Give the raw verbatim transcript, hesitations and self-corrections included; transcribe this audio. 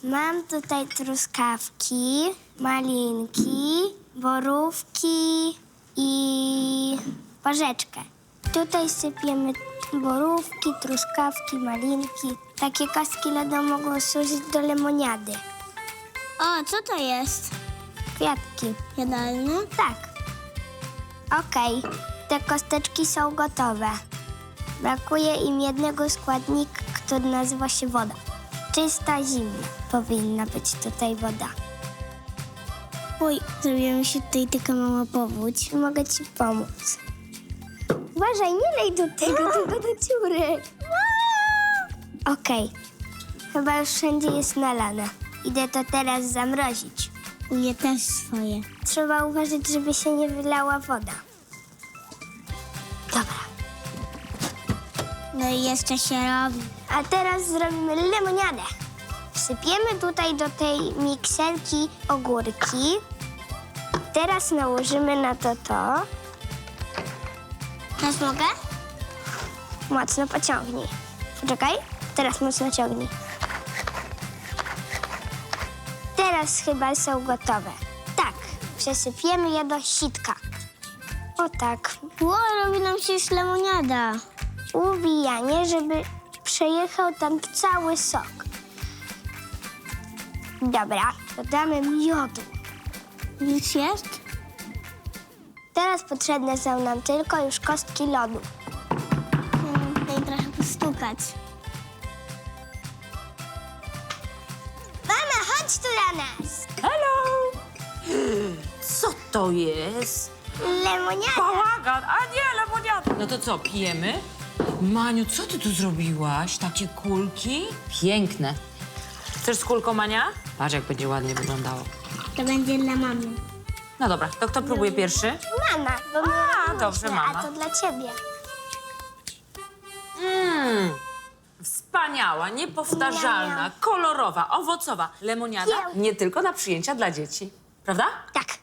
Mam tutaj truskawki, malinki, borówki i porzeczkę. Tutaj sypiemy borówki, truskawki, malinki. Takie kostki lodu mogą służyć do lemoniady. O, co to jest? Kwiatki. Jadalne? Tak. Okej, te kosteczki są gotowe. Brakuje im jednego składnika, który nazywa się woda. Czysta, zimna powinna być tutaj woda. Oj, zrobiła mi się tutaj taka mała powódź. Mogę ci pomóc. Uważaj, nie lej do tego, tylko do dziury. Okej, chyba już wszędzie jest nalane. Idę to teraz zamrozić. U mnie też swoje. Trzeba uważać, żeby się nie wylała woda. Dobra. No i jeszcze się robi. A teraz zrobimy lemoniadę. Wsypiemy tutaj do tej mikserki ogórki. Teraz nałożymy na to to. Teraz mogę? Mocno pociągnij. Poczekaj, teraz mocno ciągnij. Teraz chyba są gotowe. Tak, przesypiemy je do sitka. O tak. Ło, robi nam się już lemoniada. Uwijanie, żeby przejechał tam cały sok. Dobra, dodamy miodu. Już jest? Teraz potrzebne są nam tylko już kostki lodu. Hmm, tutaj trochę postukać. Mama, chodź tu do nas! Hello! Co to jest? Lemoniada. Bałagan, a nie lemoniada. No to co, pijemy? Maniu, co ty tu zrobiłaś? Takie kulki? Piękne. Chcesz z kulką, Mania? Patrz, jak będzie ładnie wyglądało. To będzie dla mamy. No dobra, to kto próbuje pierwszy? Mama, bo my A, robiłyśmy, dobrze, mama. A to dla ciebie. Mmm, wspaniała, niepowtarzalna, kolorowa, owocowa lemoniada. Nie tylko na przyjęcia dla dzieci. Prawda? Tak.